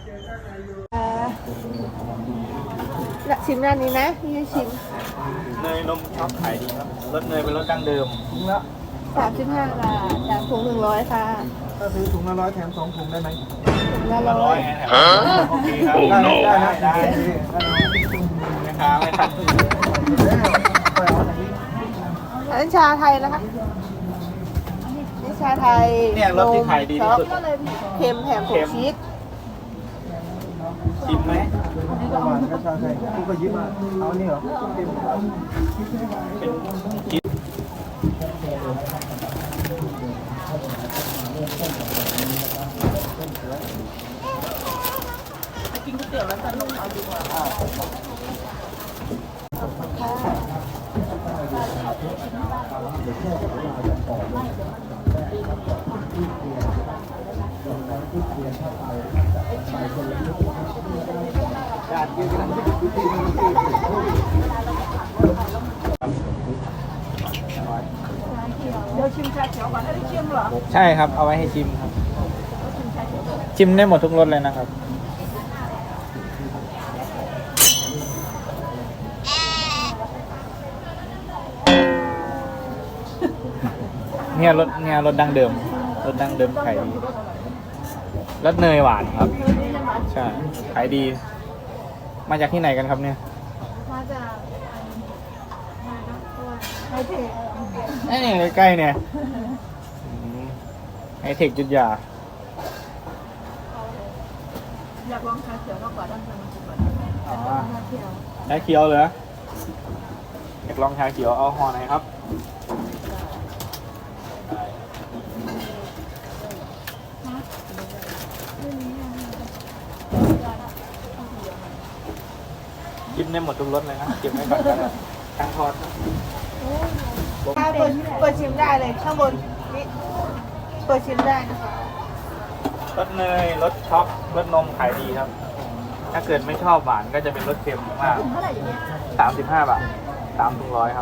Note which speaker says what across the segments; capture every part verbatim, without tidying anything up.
Speaker 1: ละชิมด้านนี้นะนี่ให้ชิม
Speaker 2: เนยนมช็อกขายดีครับรสเนยเป็นรสดั้งเดิมถุงละ
Speaker 1: สามสิบห้าบาทจากถุงหนึ่งร้อยค่ะ
Speaker 3: ถ้าซื้อถุงละร้อยแถมสองถุงได้ไหม
Speaker 1: ถุงละร้
Speaker 2: ร้
Speaker 1: อ
Speaker 2: อย ยโอเคครับได้ได้ได้นะครับไม่ทัน
Speaker 1: อันนั้นชาไทยนะคะนี่ชาไทย
Speaker 2: เนี่ยรสที่ขายดีที่สุด
Speaker 1: เค็มแถมผงชีส
Speaker 2: ชิมไหม
Speaker 3: ประมาณก็ชาไทยกูก็ยิ้มมาเอานี่เหรอ
Speaker 2: เป็นชีส
Speaker 1: กินก๋วยเตี๋ยวแล้วจะลงเอาดีกว่าเดี๋ยวชิมชาเขียวก่อนได้ชิมเหรอ
Speaker 2: ใช่ครับเอาไว้ให้ชิมครับชิมได้หมดทุกรสเลยนะครับเนี่ยรสเนี่ยรสดั้งเดิมรสดั้งเดิมขายดีรสเนยหวานครับใช่ขายดีมาจากที่ไหนกันครับเนี่ย
Speaker 1: มาจากไฮเทค
Speaker 2: ไอ้นี่ใกล้ๆเนี่ยไอเทคจุดยา
Speaker 1: อยากลองชาเขียวมากกว่าด้านในก่อน
Speaker 2: อ๋อ
Speaker 1: ชาเขียว
Speaker 2: ชาเขียวเหรออยากลองชาเขียวเอาห่อไหนครับกินได้หมดทุกรสเลยนะเก็บไว้ก่อนก็ได้ตั้งทอด
Speaker 1: ถ้าเปิดเปิดชิมได้เลยข้างบนนี่เปิดชิมได้นะคะ
Speaker 2: รสเนยรสช็อกรสนมขายดีครับ ถ้าเกิดไม่ชอบหวานก็จะเป็นรสเค็มมากสามสิบห้าบาทสามถุงร้อยครับ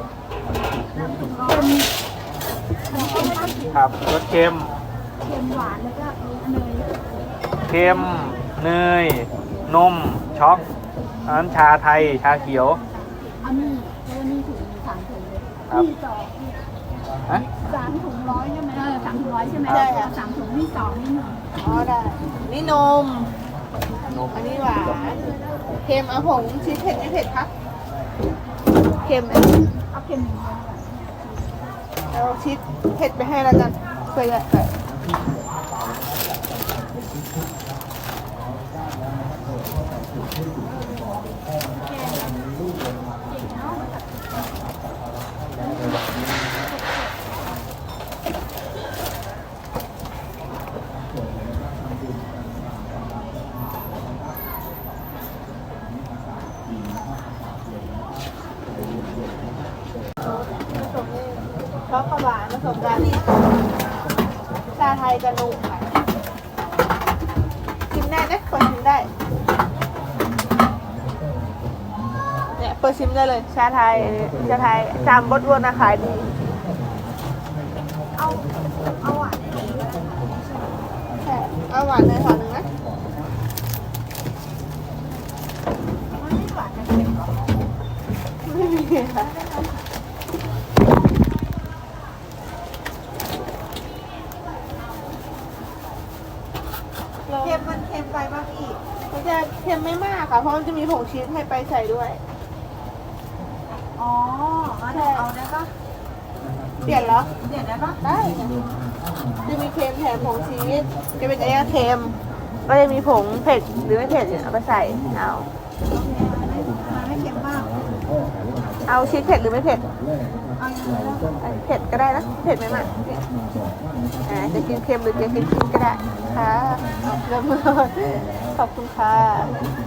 Speaker 2: ครับรสเค็ม
Speaker 1: เค็มหวานแล้วก็เนย
Speaker 2: เค็มเนยนมช็อกอันนั้นชาไทยชาเขียว
Speaker 1: อันนี้แล้วนี่ถุงสามถุงเลย
Speaker 2: ครับ
Speaker 1: มีสอง
Speaker 2: ฮะ
Speaker 1: สามถุงร้อยใช่ไหมเออสามถุงร้อยใช่ไหมใช่ค่ะสามถุงนี่สองนี่หนึ่งอ๋อได้นี่นม
Speaker 2: นม
Speaker 1: อันนี้หวานเค็มเอาผงชีสเผ็ดไม่เผ็ดคะเค็มเอาเค็มเอาชีสเผ็ดไปให้แล้วกันเคยใส่ช็อกโกแลตผสมกันชาไทยกับนมค่ะชิมได้นะเปิดชิมได้เนี่ยเปิดชิมได้เลยชาไทยชาไทยจามบดวนนะขายดีเอาเอาหวานใช่เอาหวานเลยขอหนึ่งนะไม่หวานจะเค็มหรอไม่มีค่ะเค็มมันเค็มไปบ้างอีกมันจะเค็มไม่มากค่ะ เพราะมันจะมีผงชีสให้ไปใส่ด้วย อ๋อใช่เอาได้ปะเปลี่ยนแล้วเปลี่ยนได้ปะได้จะมีเค็มแถมผงชีสจะเป็นไอ้เค็มก็จะมีผงเผ็ดหรือไม่เผ็ดเนี่ยเอาไปใส่เอาไม่เค็มมากเอาชีสเผ็ดหรือไม่เผ็ดเอาเผ็ดก็ได้นะเผ็ดไหมมากอ่าจะกินเค็มหรือจะกินชีสก็ได้ค่ะเริ่มเลยขอบคุณค่ะ